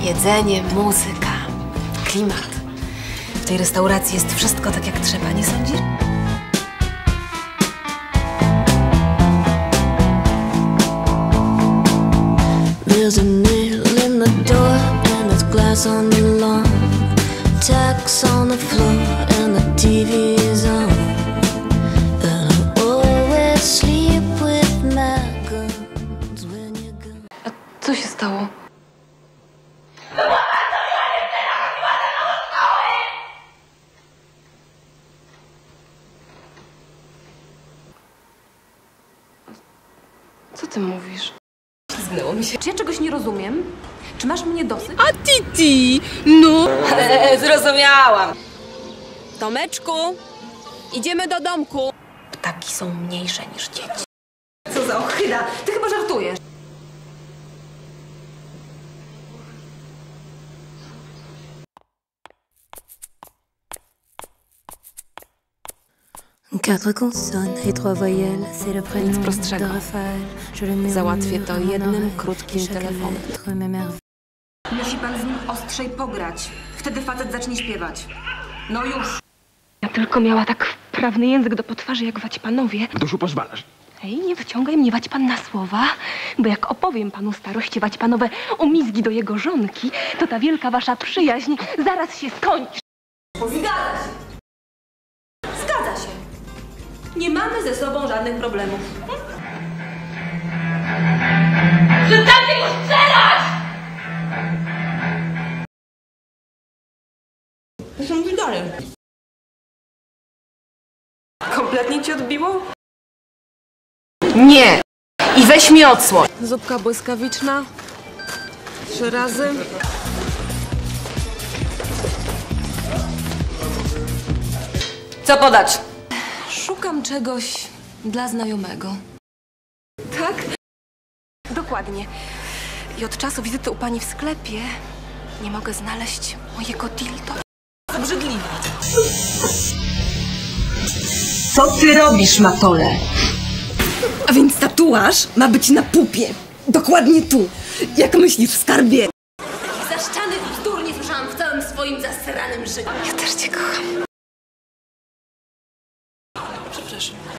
Jedzenie, muzyka, klimat. W tej restauracji jest wszystko tak jak trzeba, nie sądzisz? There's a nail in the door and there's glass on the lawn, tacks on the floor and the TV is on. And I always sleep with my guns when you're gone. A co się stało? Co ty mówisz? Zgnęło mi się. Czy ja czegoś nie rozumiem? Czy masz mnie dosyć? A Titi, no! Zrozumiałam. Tomeczku, idziemy do domku. Ptaki są mniejsze niż dzieci. Co za ochyda! Ty chyba żartujesz. Quatre consonnes et trois voyelles, c'est le prénom de prostszego. Raphaël. Je le murmure Załatwię to à mon jednym oreille, krótkim chaque telefonem. lettre m'émerveille. Musi pan z nim ostrzej pograć. Wtedy facet zacznie śpiewać. No już. Ja tylko miała tak wprawny język do potwarzy jak Waćpanowie. Duszu pozwalasz. Ej, nie wyciągaj mnie Waćpan na słowa, bo jak opowiem panu starości Waćpanowe umizgi do jego żonki, to ta wielka wasza przyjaźń zaraz się skończy. Zgadza się. Zgadza się. Nie mamy ze sobą żadnych problemów. Przestańcie go strzelać! Co mówi dalej? Kompletnie ci odbiło? Nie! I weź mi odsłoń! Zupka błyskawiczna. 3 razy. Co podać? Szukam czegoś dla znajomego. Tak? Dokładnie. I od czasu wizyty u pani w sklepie nie mogę znaleźć mojego dildo. Obrzydliwe. Co ty robisz, Matole? A więc tatuaż ma być na pupie. Dokładnie tu. Jak myślisz, skarbie? Zaszczanych bzdur nie słyszałam w całym swoim zasranym życiu. Ja też cię kocham. Przepraszam.